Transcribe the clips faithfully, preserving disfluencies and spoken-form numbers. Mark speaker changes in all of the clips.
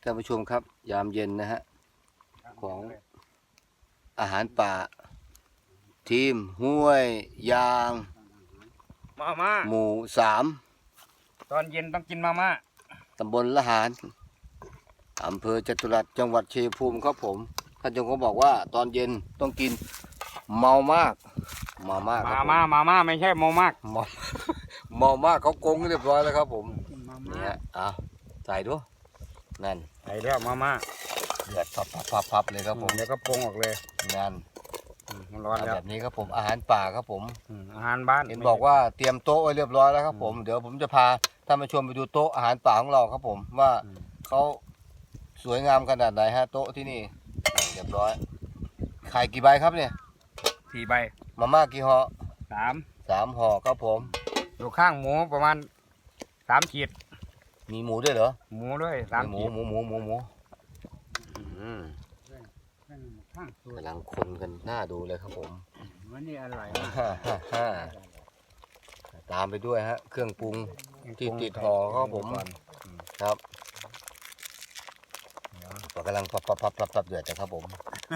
Speaker 1: ท่านผู้ชมครับยามเย็นนะฮะของอาหารป่าทีมห้วยยาง
Speaker 2: มาม่า
Speaker 1: หมู่สาม
Speaker 2: ตอนเย็นต้องกินมาม่า
Speaker 1: ตำบลละหารอำเภอจตุรัสจังหวัดชัยภูมิครับผมท่านเจ้าของบอกว่าตอนเย็นต้องกินเมามากเมามาก
Speaker 2: มาม่ามาม่าไม่ใช่เมามาก
Speaker 1: เมาเมามากเขากงเรียบร้อยแล้วครับผมเนี่ยเอาใส่ดูนั่น
Speaker 2: ใส่แล้วมาม่า
Speaker 1: เดือดพับพับพับพับเลยครับผม
Speaker 2: เดี๋ยวก็ปรุงออกเลย
Speaker 1: นั่น
Speaker 2: มันร้อนแล้ว
Speaker 1: แบบนี้ครับผมอาหารป่าครับผม
Speaker 2: อาหารบ้าน
Speaker 1: เห็นบอกว่าเตรียมโต๊ะไว้เรียบร้อยแล้วครับผมเดี๋ยวผมจะพาท่านมาชมไปดูโต๊ะอาหารป่าของเราครับผมว่าเขาสวยงามขนาดไหนฮะโต๊ะที่นี่เรียบร้อยไข่กี่ใบครับเนี่ย
Speaker 2: สี่ใบ
Speaker 1: มาม่ากี่ห่อ
Speaker 2: สาม
Speaker 1: สามห่อครับผม
Speaker 2: อยู่ข้างหมูประมาณสามขีด
Speaker 1: มีหมูด้วยเหรอ
Speaker 2: หมูด้วยสาม
Speaker 1: หมูหมูหมูหมูหมูกำลังคนกันหน้าดูเลยครับผม
Speaker 2: วันนี้อร่อย
Speaker 1: ตามไปด้วยฮะเครื่องปรุงที่ติดห่อครับผมครับกำลังพับพับพับพับพับเดือดนะครับผม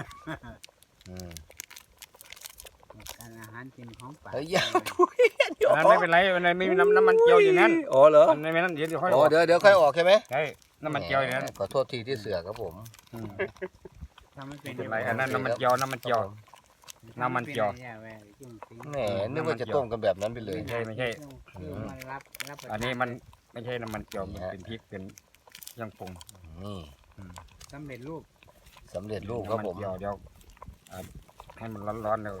Speaker 3: การอาหารกินของป่า
Speaker 1: เฮ้ยอย่า
Speaker 2: นั่นไม่เป็นไรมันไม่มีน้ำน้ำมันเจียวอยู่นั้น
Speaker 1: อ๋อเหรอ
Speaker 2: มันไม่นั่นเดี๋ยวค่อย
Speaker 1: อ๋อเดี๋ยวเดี๋ยวค่อยออกใช่ไหม
Speaker 2: ใช่น้ำมันเจียวอยู่นั้น
Speaker 1: ขอโทษทีที่เสือครับผม
Speaker 2: ไม่เป็นไรอันนั้นน้ำมันเจียวน้ำมันเจียวน้ำมันเจียว
Speaker 1: แหมนึกว่าจะต้มกันแบบนั้นไปเลย
Speaker 2: ไม่ใช่ไม่ใช่อันนี้มันไม่ใช่น้ำมันเจียวมันเป็นพริกเป็นยังปรุง
Speaker 1: นี่
Speaker 3: สำเร็จรูป
Speaker 1: สำเร็จรูปครับผม
Speaker 2: เดี๋ยวเดี๋ยวให้มันร้อนๆเดี๋ยว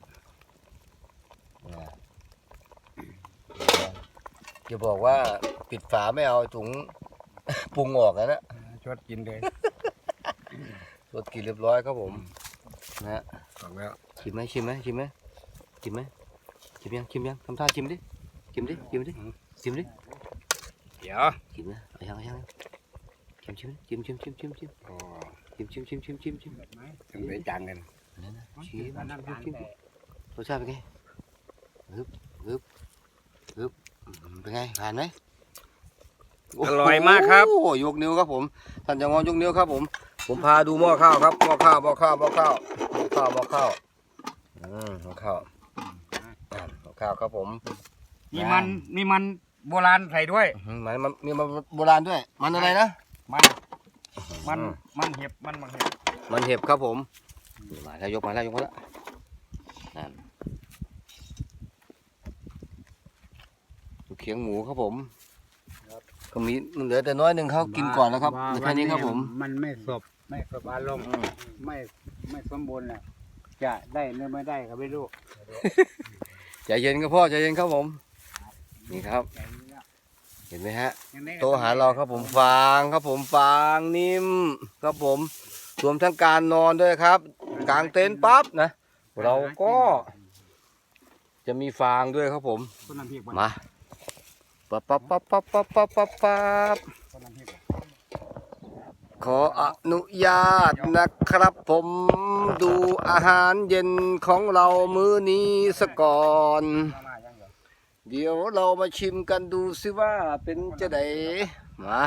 Speaker 1: จะบอกว่าปิดฝาไม่เอาถุงปรุงออกแล้วนะ
Speaker 2: ชดกินเลย
Speaker 1: ชดกินเรียบร้อยครับผมนะ
Speaker 2: ออกแล้ว
Speaker 1: ชิมไหมชิมไหมชิมไหมชิมไหมชิมยังชิมยังทำท่าชิมดิชิมดิชิมดิชิมดิ
Speaker 2: เดี๋ยว
Speaker 1: ชิมนะเอายังเอายังชิมชิมชิมชิมชิมชิมชิมชิมชิมชิมชิมชิมชิม
Speaker 2: ชิมไปจานกัน
Speaker 1: นั่นนะชิมชิมชิมรสชาติเป็นไงฮึบฮึบฮึบเป็นไงผ่านไหม
Speaker 2: อร่อยมากครับ
Speaker 1: โอ้ยกนิ้วครับผมท่านจะงอนยกนิ้วครับผมผมพาดูหม้อข้าวครับหม้อข้าวหม้อข้าวหม้อข้าวหม้อข้าวหม้อข้าวอืมหม้อข้าวหม้อข้าวครับผม
Speaker 2: มีมันมีมันโบราณใส่ด้วย
Speaker 1: มันมันมีมันโบราณด้วยมันอะไรนะ
Speaker 2: มันมันมันเห็บมันมันเห็บ
Speaker 1: มันเห็บครับผมมาแล้วยกมาแล้วยกมาแล้วนั่นเขียงหมูครับผมก็มีเหลือแต่น้อยหนึ่งเขากินก่อนแล้วครับแค่นี้ครับผม
Speaker 3: มันไม่สบไม่สบอารมณ์ไม่ไม่สมบูรณ์แหละจะได้หรือไม่ได้ก็ไม่รู้
Speaker 1: ใจเย็นครับพ่อใจเย็นครับผมนี่ครับเห็นไหมฮะโต๊ะอาหารเราครับผมฟางครับผมฟางนิ่มครับผมรวมทั้งการนอนด้วยครับกางเต็นท์ปั๊บนะเราก็จะมีฟางด้วยครับผมมาปั๊บปั๊บปั๊บปั๊บปั๊บปั๊บปั๊บปั๊บขออนุญาตนะครับผมดูอาหารเย็นของเรามื้อนี้สก่อนเดี๋ยวเรามาชิมกันดูสิว่าเป็นจะไดมา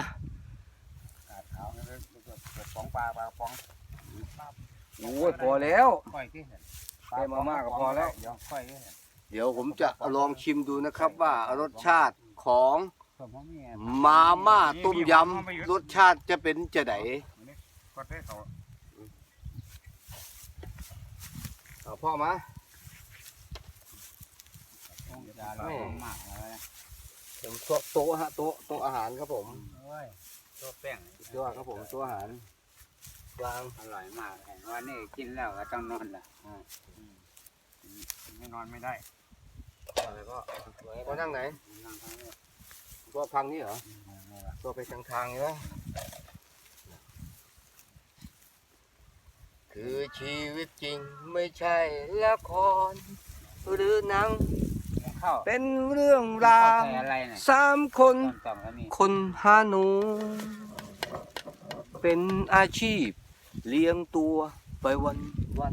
Speaker 1: โอ้ยพอแล้วแค่มาม่าก็พอแล้วเดี๋ยวผมจะลองชิมดูนะครับว่ารสชาติของมาม่าต้มยำรสชาติจะเป็นจะไดเอาพ่อมาผมโต๊ะฮะโต๊ะโต๊ะอาหารครับผม
Speaker 3: โต๊ะแป้ง
Speaker 1: ยอดครับผมโต๊ะอาหารกลาง
Speaker 3: อร่อยมากวันนี้กินแล้วก็ต้องนอนละ
Speaker 2: ไม่นอนไม่ได้
Speaker 1: อะไรก็ก็นั่งไหนตัวพังนี่เหรอตัวไปทางทางใช่ไหมคือชีวิตจริงไม่ใช่ละครหรือหนังเป็นเรื่องราวสามคนคนหาหนูเป็นอาชีพเลี้ยงตัวไปวันวัน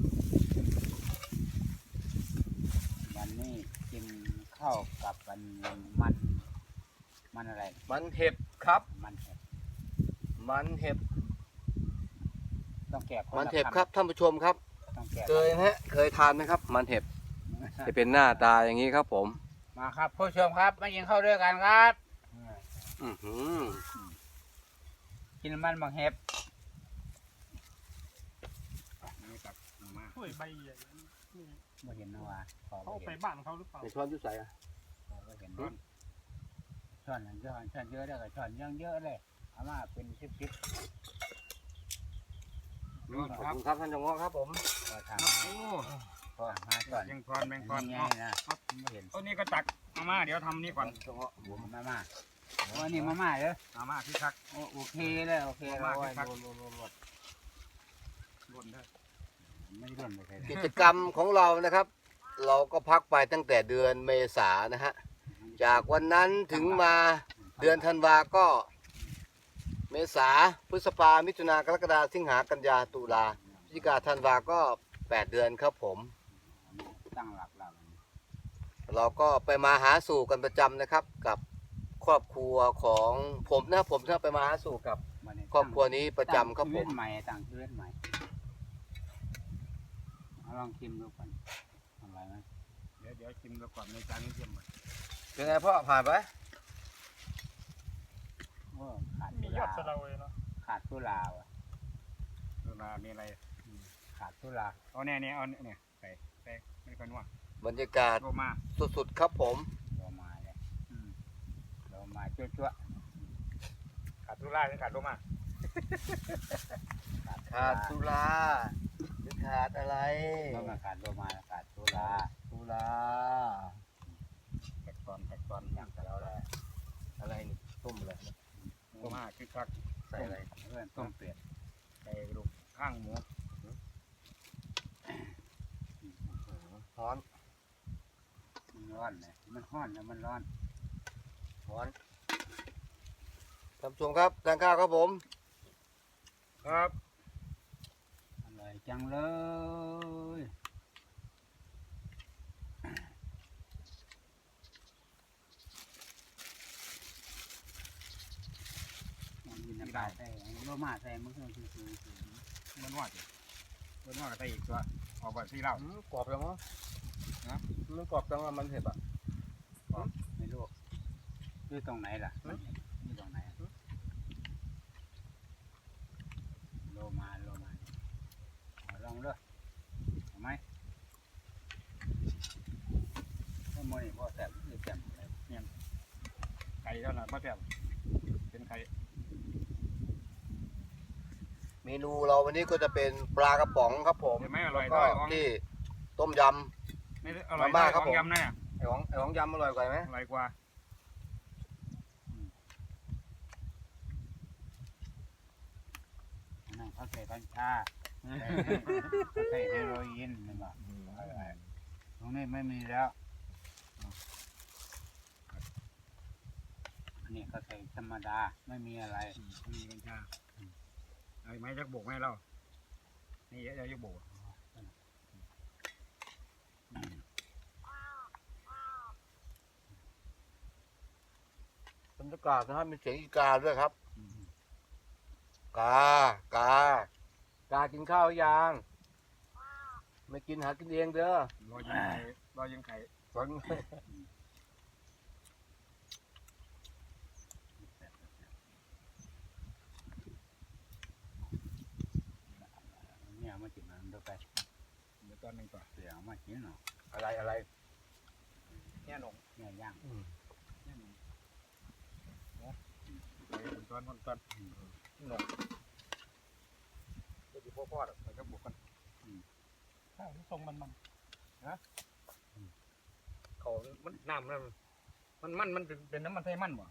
Speaker 3: วันนี้กินข้าวกับมันมันมันอะไร
Speaker 1: มันเห็บครับ
Speaker 3: มันเห็บ
Speaker 1: มันเห็บ
Speaker 3: ต้องแกะ
Speaker 1: มันเห็บครับท่านผู้ชมครับ
Speaker 3: ต้องแกะ
Speaker 1: เคยไหมฮะเคยทานไหมครับ มันเห็บจะเป็นหน้าตาอย่างนี้ครับผม
Speaker 3: มาครับผู้ชมครับมากินข้าวด้วยกันครับ
Speaker 1: อือหือ
Speaker 3: กินมันบางเห็บ
Speaker 2: นี่ครับเอามา
Speaker 4: โอ้ยใบใหญ่นี่
Speaker 3: ไม่เห็นนะวะขอ
Speaker 4: เขา
Speaker 3: บ่
Speaker 4: เอาไป
Speaker 3: เห็น
Speaker 4: บ้านเขาหรือเปล่า
Speaker 1: ในช้อนยุใส่อะ
Speaker 3: ขอบ่เห็นช้อนช้อนเยอะช้อนเยอะได้กับช้อนยังเยอะเลยเอามาเป็นชิปชิป
Speaker 1: ขอบคุณครับท่านจงงอครับผม
Speaker 3: พอท
Speaker 2: โอ้
Speaker 3: ำพอหาช้อน
Speaker 2: แมงพรแมงพร
Speaker 3: ไง
Speaker 2: เนาะ
Speaker 3: นะไม่เห็น
Speaker 2: ต้นนี้ก็ตักเอามาเดี๋ยวทำนี่ก่อน
Speaker 1: จงงอผม
Speaker 3: มาม่าโอ้นี่มาม่าเด้อ
Speaker 2: เอามาที่คัก
Speaker 3: โอ้โอเคเลยโอเคเราไว้
Speaker 2: ครับ
Speaker 3: รวมรวมรวมรวม
Speaker 2: บนได้
Speaker 3: ไม่ได้ร่วนไปใคร
Speaker 1: กิจกรรมของเรานะครับ เราก็พักไปตั้งแต่เดือนเมษานะฮะจากวันนั้นถึงมาเดือนธันวาก็ เมษาพฤษภามิถุนากรกฎาสิงหากันยาตุลาพฤศจิกาธันวาก็แปดเดือนครับผม
Speaker 3: ตั้งหลักหลัก
Speaker 1: เราก็ไปมาหาสู่กันประจำนะครับ กับครอบครัวของผมนะผมถ้าไปมาหาสู่กับครอบครัวนี้ประจำครับผม
Speaker 3: ตั้งชีวิตใหม่ตั้งชีวิตใหม่เอาลองชิมดูก่อนอร่อยไหม
Speaker 2: เดี๋ยวเดี๋ยวชิมดูก่อนในจานนี้ชิมก่อน
Speaker 1: เป็นไงพ่อผ่านไป
Speaker 3: โอ้ขาด
Speaker 4: มี
Speaker 3: สุ
Speaker 4: ยอ
Speaker 3: รา
Speaker 4: ดสะเดาเลยเนาะ
Speaker 3: ขาดสุราว่ะ
Speaker 2: ดูนามีอะไร
Speaker 3: ขาดสุรา
Speaker 2: เอาเนี่ยเนี่ยเอาเนี่ยใส่ใส่ไม่ก่อนว่า
Speaker 1: บรรยากาศ
Speaker 2: โรมา
Speaker 1: สุดๆครับผม
Speaker 3: โลมาเลยโลมาจั่วจั่ว
Speaker 2: ขาดตุลาหรือขาดโรมา
Speaker 1: ขาดสุราหรือขาดอะไร
Speaker 3: โลมาขาดโลมาขาดสุรา
Speaker 1: สุรา
Speaker 2: แตกตอนแตกตอน
Speaker 3: อย่างกับเราเลย
Speaker 1: อะไรนี่ต้มอะไรนะ
Speaker 2: โรมาคือคัก
Speaker 1: ใส่อะไร
Speaker 3: เพื่อนต้มเปลียด
Speaker 2: ใส่กระดูกข้างหมู
Speaker 1: ร้อน
Speaker 3: มันร้อนเลยมันร้อนแล้วมันร้อน
Speaker 1: ร้อนท่านผู้ชมครับทานข้าวครับผม
Speaker 2: ครับ
Speaker 3: อร่อยจังเลยมีน้ำตาลใส่โลมาใส่มันก็คือคือคือ
Speaker 2: มันว่าจิมันว่าก็ใส่อีกตัวเอาไปที่เรา
Speaker 1: อืมกรอบจังวะนะมันกรอบจังว่ามันเห็บอ่ะ
Speaker 3: ไม่รู้อยู่ตรงไหนล่ะอยู่ตรงไหนอะโลมาโลมาเอาลองด้วยเอาไหมถ้าโมนี่พอแสบคือแสบเลย
Speaker 2: ไก่เท่านั้นไม่แซ่บเป็นไข่
Speaker 1: เมนูเราวันนี้ก็จะเป็นปลากระป๋องครับผม
Speaker 2: เห็นไหมอร่อย
Speaker 1: แล้วก็
Speaker 2: ด้วยของ
Speaker 1: ที่ต้มย
Speaker 2: ไม่ได้อร่อย
Speaker 1: มาม่า
Speaker 2: ได้
Speaker 1: ครับ
Speaker 2: ข
Speaker 1: ผ
Speaker 2: อง
Speaker 1: ม
Speaker 2: ยำนะเนี่ย
Speaker 1: ำไอของไอของยำอร่อยกว่าไหม
Speaker 2: อร่อยกว่า
Speaker 3: นั่นเขาใส่กัญชาเขาใส่เฮโรอีนนี่บ่ตรงนี้ไม่มีแล้วอันนี้เขาใส่ธรรมดาไม่มีอะไร
Speaker 2: มีกัญชาเอาไหมจักโบกไหมเรานี่เดี๋ยวจะโบก
Speaker 1: บรรยากาศนะครับมีเสียงอีกาด้วยครับ กา กา กากินข้าวยัง ไม่กินหากินเองเด้อ
Speaker 2: รอยิงไข่รอยิงไข่
Speaker 1: สอน
Speaker 3: เนี่ยมาจิบมันดูไป
Speaker 2: เดี๋ยวตอนหนึ่งก่อน
Speaker 3: เสียงมากินเนาะ
Speaker 1: อะไรอะไร
Speaker 2: เนี่ยหนง
Speaker 3: เนี่ยย่าง
Speaker 1: อืม
Speaker 2: เนี่ยหนงใส่เป็นตอนตอนหนงก็อยู่พ่อพ่อใส่จักโบกกัน
Speaker 4: ข้าวที่ทรงมันมัน
Speaker 2: เขามันน้ำมันมันมันเป็นเป็นน้ำมันไทยมันบ่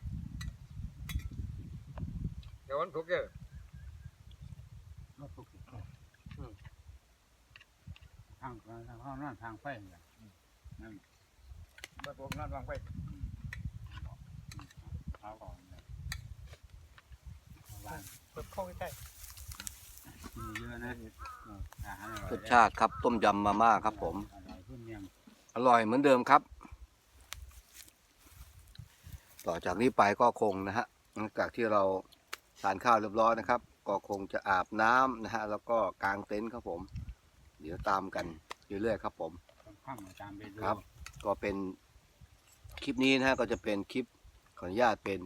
Speaker 2: เดี๋ยวมันทุกเยอะ
Speaker 3: รถทุกทางทางข้างนั่นทางไฟเนี่ยนั่น
Speaker 2: มาผมนั่นวางไป
Speaker 3: เขาก่อนเลยบ้าน
Speaker 4: เปิดเข้าใกล้
Speaker 3: มีเยอะนะอาหารอร่อย
Speaker 1: รสชาติครับต้มยำมาม่าครับผม
Speaker 3: อร่อยขึ้นยัง
Speaker 1: อร่อยเหมือนเดิมครับ ต่อจากนี้ไปก็คงนะฮะหลังจากที่เราทานข้าวเรียบร้อยนะครับ ก็คงจะอาบน้ำนะฮะแล้วก็กางเต็นท์ครับผม เดี๋ยวตามกันเรื่อยๆครับผม
Speaker 3: ข้ามตามไปดู
Speaker 1: ครับ ก็เป็นคลิปนี้นะฮะก็จะเป็นคลิปขออนุญาตเป็น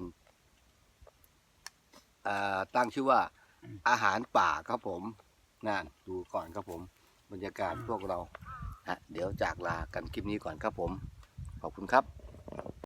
Speaker 1: อ่าตั้งชื่อว่าอาหารป่าครับผมนั่นดูก่อนครับผมบรรยากาศพวกเราฮะเดี๋ยวจากลากันคลิปนี้ก่อนครับผมขอบคุณครับ